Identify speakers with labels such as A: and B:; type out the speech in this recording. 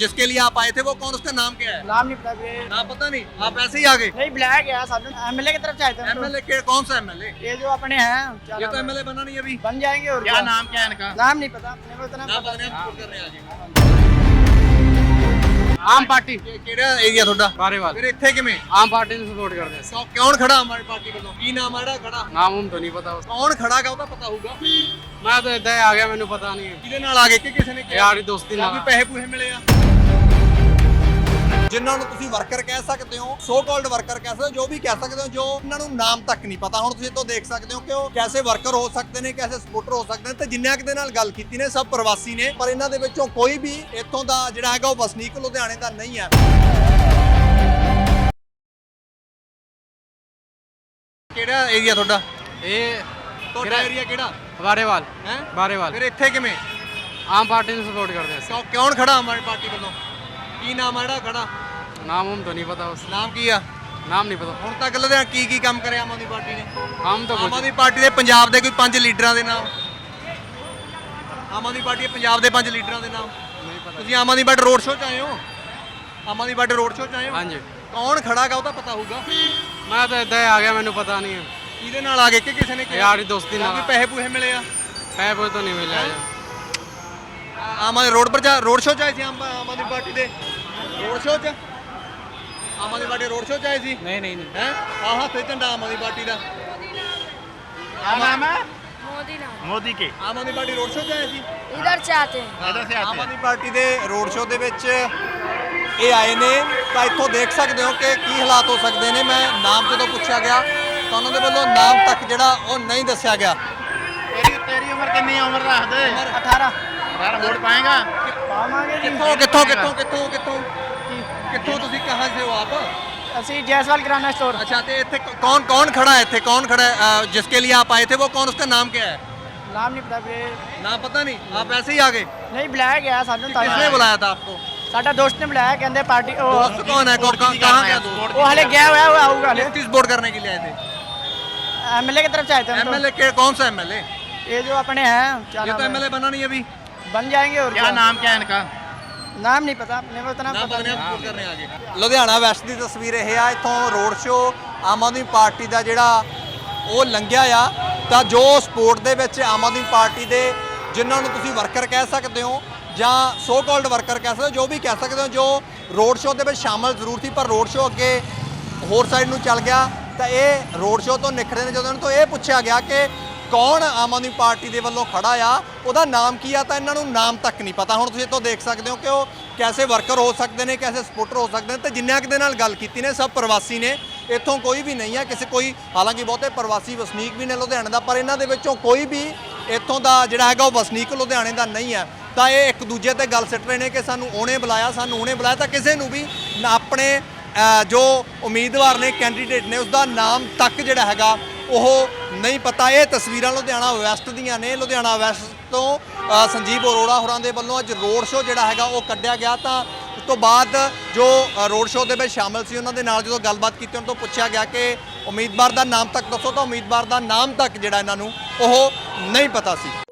A: जिसके लिए आप आए थे वो कौन, उसका नाम क्या है?
B: नाम नहीं पता भैया।
A: नाम पता नहीं, आप ऐसे ही आ गए?
B: नहीं बुलाया गया साधु एमएलए की तरफ से आए थे हम तो।
A: एमएलए के कौन सा एमएलए?
B: ये जो अपने हैं क्या
A: ये
B: नाम
A: तो
B: है?
A: एमएलए बना नहीं अभी।
B: बन जाएंगे और
C: क्या नाम क्या है इनका?
B: नाम नहीं पता अपने को इतना
A: ਨਾਮ
B: पता
A: ਪਤਾ ਨਹੀਂ,
B: नहीं।
A: ਸਪੋਰਟ ਕਰ ਰਹੇ ਆ ਜੀ।
C: ਆਮ ਪਾਰਟੀ
A: ਕਿਹੜਾ ਏਰੀਆ ਤੁਹਾਡਾ?
C: ਬਾਰੇਵਾਲ
A: ਫਿਰ ਇੱਥੇ ਕਿਵੇਂ?
C: ਆਮ ਪਾਰਟੀ ਨੂੰ ਸਪੋਰਟ ਕਰਦੇ ਆ।
A: ਕੌਣ ਖੜਾ ਹਮਾਰੀ ਪਾਰਟੀ ਵੱਲੋਂ? ਕੀ ਨਾਮ ਹੈ ਜਿਹੜਾ ਖੜਾ?
C: ਨਾਮ ਹੁਣ ਤਾਂ ਨਹੀਂ ਪਤਾ।
A: ਕੌਣ ਖੜਾਗਾ ਉਹ ਤਾਂ ਪਤਾ ਹੋਊਗਾ।
C: ਮੈਂ ਤਾਂ ਇਦਾਂ ਆ ਗਿਆ, ਮੈਨੂੰ ਪਤਾ ਨਹੀਂ।
A: ਕਿਹਦੇ ਨਾਲ ਆ ਗਏ ਕਿ ਕਿਸੇ ਨੇ ਕਿਹਾ?
C: ਯਾਰੀ ਦੋਸਤੀ
A: ਜਾਂ
C: ਨਾਲ।
A: ਕੋਈ ਪੈਸੇ ਪੂਸੇ ਮਿਲੇ ਆ? ਜਿਨ੍ਹਾਂ ਨੂੰ ਤੁਸੀਂ ਵਰਕਰ ਕਹਿ ਸਕਦੇ ਹੋ, ਸੋ ਕਾਲਡ ਵਰਕਰ ਕਹਿ ਸਕਦੇ ਹੋ, ਜੋ ਵੀ ਕਹਿ ਸਕਦੇ ਹੋ, ਜੋ ਇਹਨਾਂ ਨੂੰ ਨਾਮ ਤੱਕ ਨਹੀਂ ਪਤਾ। ਹੁਣ ਤੁਸੀਂ ਇਹ ਤੋਂ ਦੇਖ ਸਕਦੇ ਹੋ ਕਿ ਉਹ ਕੈਸੇ ਵਰਕਰ ਹੋ ਸਕਦੇ ਨੇ, ਕੈਸੇ ਸਪੋਰਟਰ ਹੋ ਸਕਦੇ ਨੇ, ਤੇ ਜਿੰਨਿਆਂ ਕੁ ਦੇ ਨਾਲ ਗੱਲ ਕੀਤੀ ਨੇ ਸਭ ਪ੍ਰਵਾਸੀ ਨੇ, ਪਰ ਇਹਨਾਂ ਦੇ ਵਿੱਚੋਂ ਕੋਈ ਵੀ ਇੱਥੋਂ ਦਾ ਜਿਹੜਾ ਹੈਗਾ ਉਹ ਵਸਨੀਕ ਲੁਧਿਆਣੇ ਦਾ ਨਹੀਂ ਹੈ। ਕਿਹੜਾ ਏਰੀਆ ਤੁਹਾਡਾ?
C: ਇਹ
A: ਤੁਹਾਡਾ ਏਰੀਆ ਕਿਹੜਾ
C: ਬਾਰੇਵਾਲ
A: ਹੈ?
C: ਬਾਰੇਵਾਲ
A: ਫਿਰ ਇੱਥੇ ਕਿਵੇਂ?
C: ਆਮ ਪਾਰਟੀ ਨੂੰ ਸਪੋਰਟ ਕਰਦੇ ਆ।
A: ਕੌਣ ਖੜਾ ਹਮਾਰੀ ਪਾਰਟੀ ਵੱਲੋਂ? ਕੀ ਨਾਮ ਹੈ ਜਿਹੜਾ ਖੜਾ?
C: ਨਾਮ ਹੁਣ ਤਾਂ ਨਹੀਂ ਪਤਾ। ਉਸ
A: ਨਾਮ ਕੀ ਆ?
C: ਨਾਮ ਨਹੀਂ ਪਤਾ।
A: ਹੁਣ ਤੱਕ ਲੁਧਿਆਣਾ ਕੀ ਕੰਮ ਕਰਿਆ ਆਮ ਆਦਮੀ ਪਾਰਟੀ ਨੇ?
C: ਕੰਮ ਤਾਂ
A: ਆਮ
C: ਕੁਝ
A: ਆਦਮੀ ਪਾਰਟੀ ਦੇ ਪੰਜਾਬ ਦੇ ਕੋਈ 5 ਲੀਡਰਾਂ ਦੇ ਨਾਮ? ਆਮ ਆਦਮੀ ਪਾਰਟੀ ਦੇ ਪੰਜਾਬ ਦੇ 5 ਲੀਡਰਾਂ ਦੇ ਨਾਮ
C: ਨਹੀਂ ਪਤਾ।
A: ਤੁਸੀਂ Aam Aadmi party road show 'ਚ ਆਏ ਹੋ? Aam Aadmi party road show 'ਚ ਆਏ ਹੋ?
C: ਹਾਂਜੀ
A: ਕੌਣ ਖੜਾਗਾ ਉਹ ਤਾਂ ਪਤਾ ਹੋਊਗਾ।
C: ਮੈਂ ਤਾਂ ਇਦਾਂ ਆ ਗਿਆ, ਮੈਨੂੰ ਪਤਾ ਨਹੀਂ।
A: ਕਿਹਦੇ ਨਾਲ ਆ ਗਏ ਕਿ ਕਿਸੇ ਨੇ ਕਿਹਾ?
C: ਯਾਰੀ ਦੋਸਤੀ
A: ਜਾਂ ਕੋਈ
C: ਨਾਲ।
A: ਪੈਸੇ ਪੂਸੇ ਮਿਲੇ ਆ?
C: ਪੈਸੇ ਕੋਈ ਤਾਂ ਨਹੀਂ ਮਿਲਿਆ।
A: ਆਮ ਆਦਮੀ ਰੋਡ ਸ਼ੋਅ 'ਚ ਆਏ ਸੀ ਆਮ ਆਦਮੀ ਪਾਰਟੀ ਦੇ ਰੋਡ ਸ਼ੋਅ 'ਚ? Aam Aadmi party road show 'ਚ ਆਏ ਸੀ?
C: ਨਹੀਂ ਨਹੀਂ ਨਹੀਂ।
A: ਹੈ ਆਹ ਹੱਥੇ ਝੰਡਾ ਆਮ ਆਦਮੀ ਪਾਰਟੀ ਦਾ।
C: क्या नाम है?
D: मोदी नाम
C: मोदी के।
A: Aam Aadmi party road show 'ਚ ਆਏ ਸੀ?
D: इधर से आते हैं।
C: इधर से
A: ਆਮ
C: आते
A: ਆਦਮੀ ਪਾਰਟੀ ਦੇ ਰੋਡ ਸ਼ੋਅ ਦੇ ਵਿੱਚ ਇਹ ਆਏ ਨੇ ਤਾਂ ਇੱਥੋਂ ਦੇਖ ਸਕਦੇ ਹੋ ਕਿ ਕੀ ਹਾਲਾਤ ਹੋ ਸਕਦੇ ਨੇ। ਮੈਂ ਨਾਮ ਜਦੋਂ ਪੁੱਛਿਆ ਗਿਆ ਤਾਂ ਉਹਨਾਂ ਦੇ ਵੱਲੋਂ ਨਾਮ ਤੱਕ ਜਿਹੜਾ ਉਹ ਨਹੀਂ ਦੱਸਿਆ ਗਿਆ।
C: तेरी उम्र कितनी है? उम्र रख दे।
B: 18
C: यार वोट पाएगा?
B: पावांगे जी।
A: ਕਿੱਥੋਂ ਤੁਸੀਂ ਕਹਾਂ ਸੇ ਹੋ ਆਪ?
B: ਅਸੀਂ जयसवाल किराना स्टोर।
A: अच्छा तो ਇੱਥੇ कौन खड़ा है? ਇੱਥੇ कौन खड़ा है जिसके लिए आप आए थे वो कौन, उसका नाम क्या है?
B: नाम नहीं पता भैया।
A: नाम पता नहीं, आप ऐसे ही आ गए?
B: नहीं बुलाया गया साधु
A: किसने बुलाया था आपको?
B: साडा दोस्त ने बुलाया, कहते पार्टी
A: दोस्त कौन है? कहाँ गया दोस्त?
B: वो हले गया हुआ है, वो आऊगा हले।
A: किस वोट करने के लिए आए थे?
B: एमएलए की तरफ से आए थे हम तो।
A: एमएलए के कौन सा एमएलए?
B: ये जो अपने हैं क्या
A: ये
B: नाम
A: तो
B: है?
A: एमएलए बना नहीं अभी।
B: बन जाएंगे और
C: क्या नाम क्या है इनका?
B: नाम नहीं पता अपने को इतना पता नहीं।
A: ਸਪੋਰਟ ਕਰਨੇ ਆ ਗਏ। ਲੁਧਿਆਣਾ ਵੈਸਟ ਦੀ ਤਸਵੀਰ ਇਹ ਆ। ਇੱਥੋਂ road show Aam Aadmi party ਦਾ ਜਿਹੜਾ ਉਹ ਲੰਘਿਆ ਆ, ਤਾਂ ਜੋ ਸਪੋਰਟ ਦੇ ਵਿੱਚ ਆਮ ਆਦਮੀ ਪਾਰਟੀ ਦੇ ਜਿਨ੍ਹਾਂ ਨੂੰ ਤੁਸੀਂ ਵਰਕਰ ਕਹਿ ਸਕਦੇ ਹੋ ਜਾਂ ਸੋ ਕਾਲਡ ਵਰਕਰ ਕਹਿ ਸਕਦੇ ਹੋ, ਜੋ ਵੀ ਕਹਿ ਸਕਦੇ ਹੋ, ਜੋ ਰੋਡ ਸ਼ੋਅ ਦੇ ਵਿੱਚ ਸ਼ਾਮਲ ਜ਼ਰੂਰ ਸੀ ਪਰ ਰੋਡ ਸ਼ੋਅ ਅੱਗੇ ਹੋਰ ਸਾਈਡ ਨੂੰ ਚੱਲ ਗਿਆ। ਤਾਂ ਇਹ ਰੋਡ ਸ਼ੋਅ ਤੋਂ ਨਿਖੜੇ ਨੇ ਜਦੋਂ ਇਹਨਾਂ ਤੋਂ ਇਹ ਪੁੱਛਿਆ ਗਿਆ ਕਿ ਕੌਣ ਆਮ ਆਦਮੀ ਪਾਰਟੀ ਦੇ ਵੱਲੋਂ ਖੜਾ ਆ, ਉਹਦਾ ਨਾਮ ਕੀ ਆ, ਤਾਂ ਇਹਨਾਂ ਨੂੰ ਨਾਮ ਤੱਕ ਨਹੀਂ ਪਤਾ। ਹੁਣ ਤੁਸੀਂ ਇਹ ਤੋਂ ਦੇਖ ਸਕਦੇ ਹੋ ਕਿ ਉਹ ਕੈਸੇ ਵਰਕਰ ਹੋ ਸਕਦੇ ਨੇ, ਕੈਸੇ ਸਪੋਰਟਰ ਹੋ ਸਕਦੇ ਨੇ, ਤੇ ਜਿੰਨਿਆਂ ਕੁ ਦੇ ਨਾਲ ਗੱਲ ਕੀਤੀ ਨੇ ਸਭ ਪ੍ਰਵਾਸੀ ਨੇ। ਇੱਥੋਂ ਕੋਈ ਵੀ ਨਹੀਂ ਆ ਕਿਸੇ ਕੋਈ, ਹਾਲਾਂਕਿ ਬਹੁਤੇ ਪ੍ਰਵਾਸੀ ਵਸਨੀਕ ਵੀ ਨੇ ਲੁਧਿਆਣੇ ਦਾ, ਪਰ ਇਹਨਾਂ ਦੇ ਵਿੱਚੋਂ ਕੋਈ ਵੀ ਇੱਥੋਂ ਦਾ ਜਿਹੜਾ ਹੈਗਾ ਉਹ ਵਸਨੀਕ ਲੁਧਿਆਣੇ ਦਾ ਨਹੀਂ ਹੈ। ਤਾਂ ਇਹ ਇੱਕ ਦੂਜੇ ਤੇ ਗੱਲ ਸਿੱਟ ਰਹੇ ਨੇ ਕਿ ਸਾਨੂੰ ਉਹਨੇ ਬੁਲਾਇਆ, ਸਾਨੂੰ ਉਹਨੇ ਬੁਲਾਇਆ। ਤਾਂ ਕਿਸੇ ਨੂੰ ਵੀ ਆਪਣੇ ਜੋ ਉਮੀਦਵਾਰ ਨੇ, ਕੈਂਡੀਡੇਟ ਨੇ, ਉਸਦਾ ਨਾਮ ਤੱਕ ਜਿਹੜਾ ਹੈਗਾ ਉਹ ਨਹੀਂ ਪਤਾ। ਇਹ ਤਸਵੀਰਾਂ ਲੁਧਿਆਣਾ ਵੈਸਟ ਦੀਆਂ ਨੇ। ਲੁਧਿਆਣਾ ਵੈਸਟ ਤੋਂ ਸੰਜੀਵ ਅਰੋੜਾ ਹੋਰਾਂ ਦੇ ਵੱਲੋਂ ਅੱਜ ਰੋਡ ਸ਼ੋਅ ਜਿਹੜਾ ਹੈਗਾ ਉਹ ਕੱਢਿਆ ਗਿਆ। ਤਾਂ ਉਸ ਤੋਂ ਬਾਅਦ ਜੋ ਰੋਡ ਸ਼ੋਅ ਦੇ ਵਿੱਚ ਸ਼ਾਮਲ ਸੀ ਉਹਨਾਂ ਦੇ ਨਾਲ ਜਦੋਂ ਗੱਲਬਾਤ ਕੀਤੀ, ਉਹਨਾਂ ਤੋਂ ਪੁੱਛਿਆ ਗਿਆ ਕਿ ਉਮੀਦਵਾਰ ਦਾ ਨਾਮ ਤੱਕ ਦੱਸੋ, ਤਾਂ ਉਮੀਦਵਾਰ ਦਾ ਨਾਮ ਤੱਕ ਜਿਹੜਾ ਇਹਨਾਂ ਨੂੰ ਉਹ ਨਹੀਂ ਪਤਾ ਸੀ।